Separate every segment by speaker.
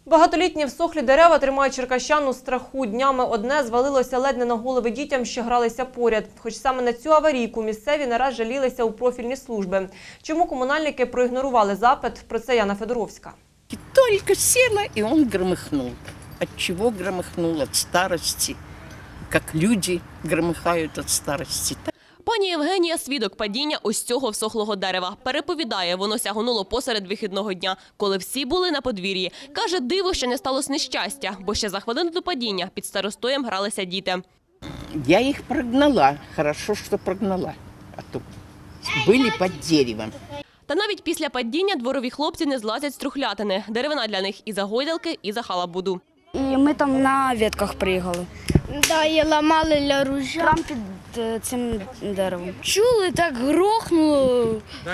Speaker 1: Багатолітні всохлі дерева тримають черкащан у страху. Днями одне звалилося ледь не на голови дітям, що гралися поряд. Хоч саме на цю аварійку місцеві не раз жалілися у профільні служби. Чому комунальники проігнорували запит? Про це Яна Федоровська.
Speaker 2: Только села, и он громыхнул. От чего громыхнул? От старости. Как люди громыхают от старости.
Speaker 3: Пані Євгенія – свідок падіння ось цього всохлого дерева. Переповідає, воно сягонуло посеред вихідного дня, коли всі були на подвір'ї. Каже, диво, що не сталося нещастя, бо ще за хвилину до падіння під старостоєм гралися діти.
Speaker 2: Я их прогнала. Хорошо, что прогнала. А то были под деревом.
Speaker 3: Та навіть після падіння дворові хлопці не злазять з трухлятини. Деревина для них і за гойдалки, і за халабуду.
Speaker 4: І ми там на ветках приїхали.
Speaker 5: Да, і ламали для ружя.
Speaker 4: Прямо під цим деревом.
Speaker 5: Чули, так грохнуло,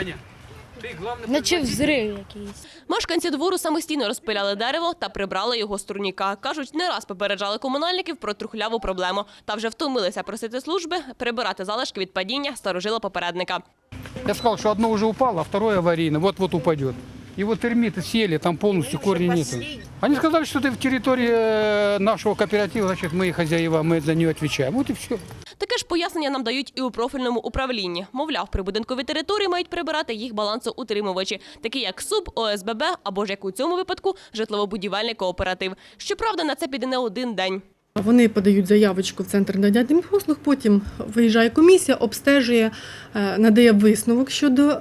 Speaker 5: наче взрив якийсь.
Speaker 3: Мешканці двору самостійно розпиляли дерево та прибрали його з турніка. Кажуть, не раз попереджали комунальників про трухляву проблему. Та вже втомилися просити служби прибирати залишки від падіння старожила попередника.
Speaker 6: Я сказал, что одно уже упало, а второе аварийно, вот-вот упадет. И вот термиты сели, там полностью корней нету. Они сказали, что это в территории нашего кооператива, значит, мы хозяева, мы за нее отвечаем. Вот и все.
Speaker 3: Таке ж пояснення нам дають і у профільному управлінні. Мовляв, прибудинкові території мають прибирати їх балансоутримувачі, такі як СУБ, ОСББ або ж, як у цьому випадку, житлово-будівельний кооператив. Щоправда, на це піде не один день.
Speaker 7: Вони подають заявочку в центр надання послуг, потім виїжджає комісія, обстежує, надає висновок щодо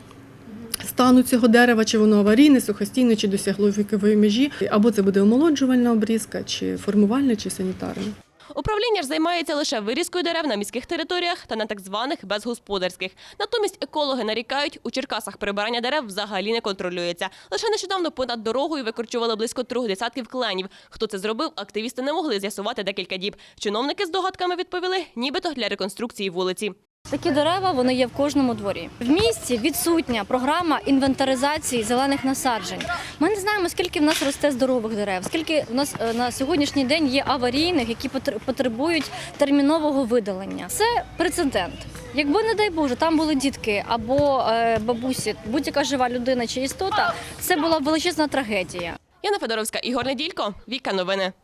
Speaker 7: стану цього дерева, чи воно аварійне, сухостійне, чи досягло вікової межі, або це буде омолоджувальна обрізка, чи формувальна, чи санітарна.
Speaker 3: Управління ж займається лише вирізкою дерев на міських територіях та на так званих безгосподарських. Натомість екологи нарікають, у Черкасах прибирання дерев взагалі не контролюється. Лише нещодавно понад дорогою викорчували близько 3 десятків кленів. Хто це зробив, активісти не могли з'ясувати декілька діб. Чиновники з догадками відповіли, нібито для реконструкції вулиці.
Speaker 8: Такі дерева, вони є в кожному дворі. В місті відсутня програма інвентаризації зелених насаджень. Ми не знаємо, скільки в нас росте здорових дерев, скільки в нас на сьогоднішній день є аварійних, які потребують термінового видалення. Це прецедент. Якби, не дай Боже, там були дітки або бабусі, будь-яка жива людина чи істота, це була б величезна трагедія.
Speaker 3: Яна Федоровська, Ігор Неділько, Віка Новини.